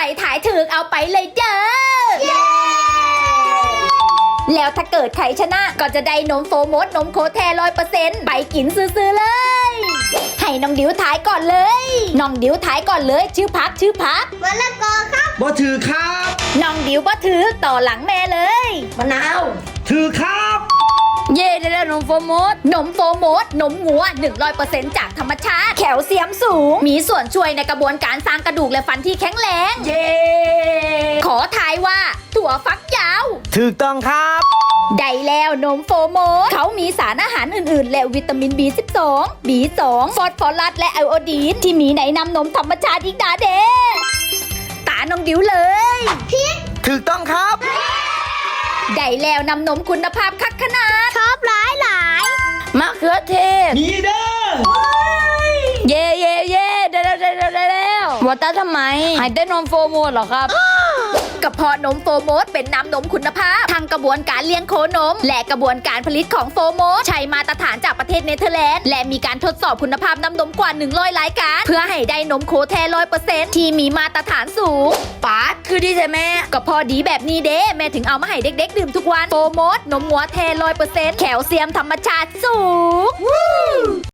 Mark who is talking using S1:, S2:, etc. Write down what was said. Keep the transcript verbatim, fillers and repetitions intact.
S1: ถ่ายถูกเอาไปเลยเด้อแล้วถ้าเกิดใครชนะก็จะได้นมโฟมดนมโคแทร้อยเปอร์เซ็นต์ไปกินซื้อๆเลยให้น้องดิวถ่ายก่อนเลยน้องดิวถ่ายก่อนเลยชื่อพักชื่อพัก
S2: มะละกอครับ
S3: บ่ถือครับ
S1: น้องดิวบ่ถือต่อหลังแม่เลย
S2: มะนาว
S3: ถือครับ
S1: เย่ได้แล้วนมโฟมดนมโฟมดนมงัว หนึ่งร้อยเปอร์เซ็นต์ จากธรรมชาติแคลเซียมสูงมีส่วนช่วยในกระบวนการสร้างกระดูกและฟันที่แข็งแรง
S2: เย้
S1: ขอทายว่าถั่วฟักยาว
S3: ถูกต้องครับ
S1: ได้แล้วนมโฟโมดเขามีสารอาหารอื่นๆ และวิตามิน บี สิบสอง บี สอง ฟอสฟอรัสและไอโอดีนที่มีในน้ำนมธรรมชาติอีกดาเดตาน้องดิวเลย
S3: ถูกต้องครับ
S1: ได้แล้วนำนมคุณภาพคักขนาด
S2: ชอบหลายหลาย
S1: มะเขือเทศ
S3: มีเด้อ
S1: เย่เย่เย่ได้แล้วได้แล้วได้แล้วว่าตาทำไมหายได้นมโฟโมดเหรอครับ กระเพาะนมโฟโมดเป็นน้ำนมคุณภาพทางกระบวนการเลี้ยงโคนม และกระบวนการผลิตของโฟโมดใช้มาตรฐานจากประเทศเนเธอร์แลนด์และมีการทดสอบคุณภาพน้ำนมกว่าหนึ่งร้อยรายการ เพื่อให้ได้นมโคแทร้อยเปอร์เซ็นต์ที่มีมาตรฐานสูงป๊าดคือดีใช่ไหมก็พอดีแบบนี้เด้แม่ถึงเอามาให้เด็กๆดื่มทุกวันโฟโมดนมงัวแทร้อยเปอร์เซ็นต์แคลเซียมธรรมชาติสูง